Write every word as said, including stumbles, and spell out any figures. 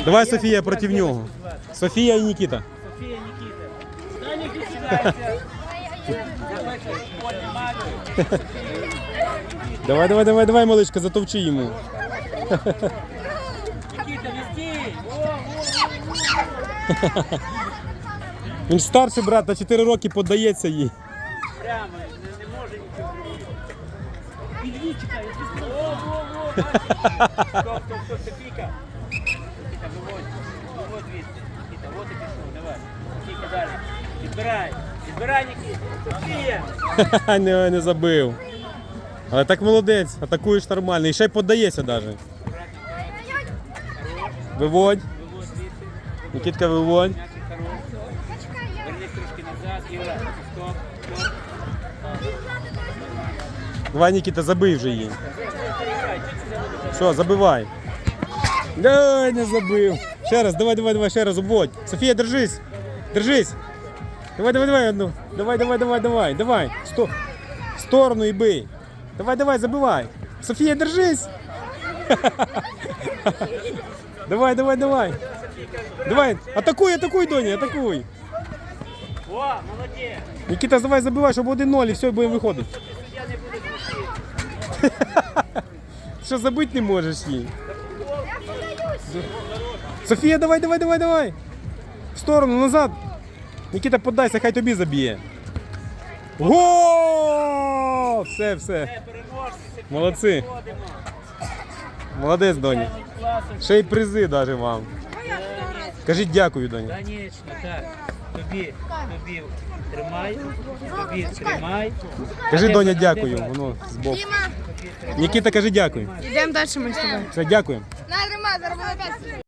Давай Софія проти нього. Софія і Нікіта. Софія, Нікіта. Дай не кидайся. Давай, давай, давай, давай, маличка, затовчи йому. Нікіта, не стій. Він ж старший брат, на чотири роки подається їй. Прямо, не, не може нічого зробити. Підвій, чекай, о, о, о, бачиш? Стоп, стоп, стоп, Софійка. Нікіта, виводь, виводь звідси. Нікіта, от і пішов, давай. Софійка, далі. Підбирай, підбирай, Нікіта. Софія. не, не забив. Але так молодець, атакуєш нормально. І ще й подається навіть. Виводь. Виводь звідси. Нікітка, виводь. М'ячик хороший. Вернись трошки назад, Юра. Стоп, стоп. Давай, Нікіта, забий вже її. Що, забивай. Дай, не забив. Ще раз, давай, давай, давай, ще раз, обводь. Софія, держись. Держись. Давай, давай, давай одну. Давай, давай, давай, давай, давай. Сто... В сторону і бий. Давай, давай, забивай. Софія, держись. Давай, давай, давай. Давай, атакуй, атакуй, Доня, атакуй. О, молодець. Нікіта, давай, забивай, щоб один ноль і все, і будемо виходити. Я не буду кричити. Що забити не можеш їй? Софія, давай, давай, давай, давай. В сторону, назад. Нікіта, подайся, хай тобі заб'є. Гол! Все, все. Молодці. Молодець, Доня. Ще й призи навіть вам. Кажіть дякую, Доня. Конечно, так. Тобі, тобі тримай, тобі тримай. Кажи, Доня, дякую. Воно збоку. Нікіта, кажи дякую. Йдемо далі ми з тобою. Все, дякую. На, тримай, заробили п'ять.